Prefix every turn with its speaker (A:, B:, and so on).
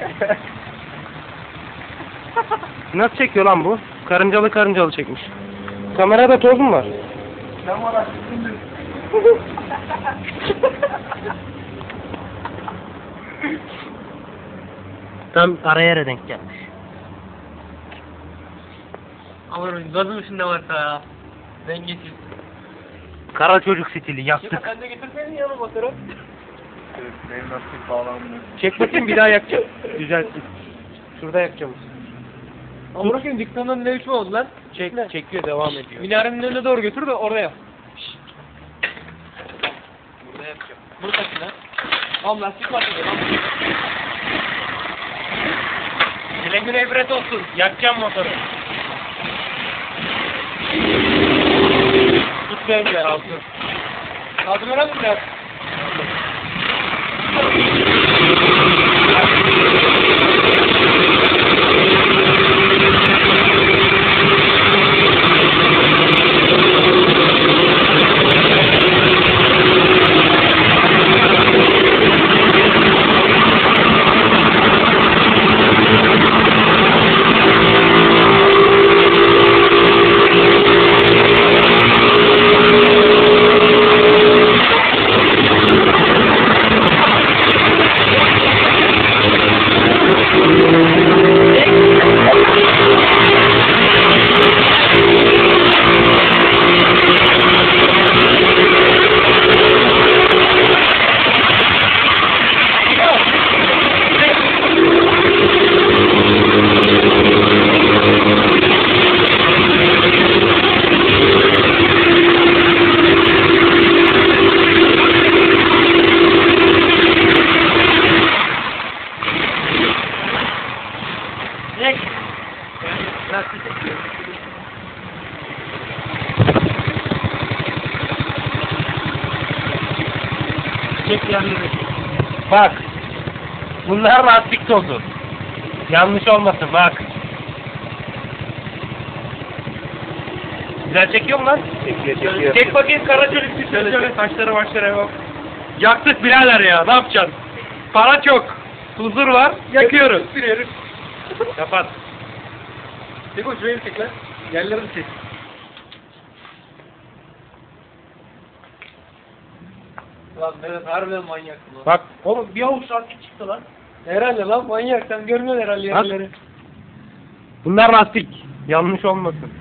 A: Nasıl çekiyor lan bu? Karıncalı çekmiş. Kamerada toz mu var?
B: Ben var açtım.
A: Tam ara yere denk gelmiş.
C: Aman gazın içinde varsa ya. Dengesiz.
A: Kara çocuk stili yaktık.
C: Sen de getirseydin yanıma motoru.
B: Evet, benim lastik bağlanmıyor.
A: Çek bakayım bir daha yakacağım. Düzeltsin. Şurada yakacağım.
C: Ama bırakayım diktanın ne biçim oldu lan?
A: Çekiyor devam ediyor.
C: Minarenin önüne doğru götür de orada yap.
A: Burada yapacağım.
C: Bunu taşı lan. Oğlum lastik var dedi lan.
A: Güle güle ibret olsun. Yakacağım motoru. Tut benim de altı.
C: Kaldım öyle mi biraz?
A: Çek yerleri. Bak. Bunlar lastik tozu. Yanlış olmasın bak. Güzel çekiyor mu lan?
B: Çekiyor.
A: Çek bakayım kara çocuk bir şöyle saçları başları bak. Yaktık birader ya, ne yapacaksın? Para çok. Huzur var, yakıyoruz.
C: Sürüyoruz.
A: Kapat.
C: Çek o şurayı çek lan. Yerleri çek. Lan Mehmet harbiden manyaksın lan.
A: Bak oğlum bir avuç lastik çıktı lan.
C: Herhalde lan manyak sen görmüyorsun herhalde
A: Bak.
C: yerleri.
A: Bunlar lastik. Yanlış olmasın.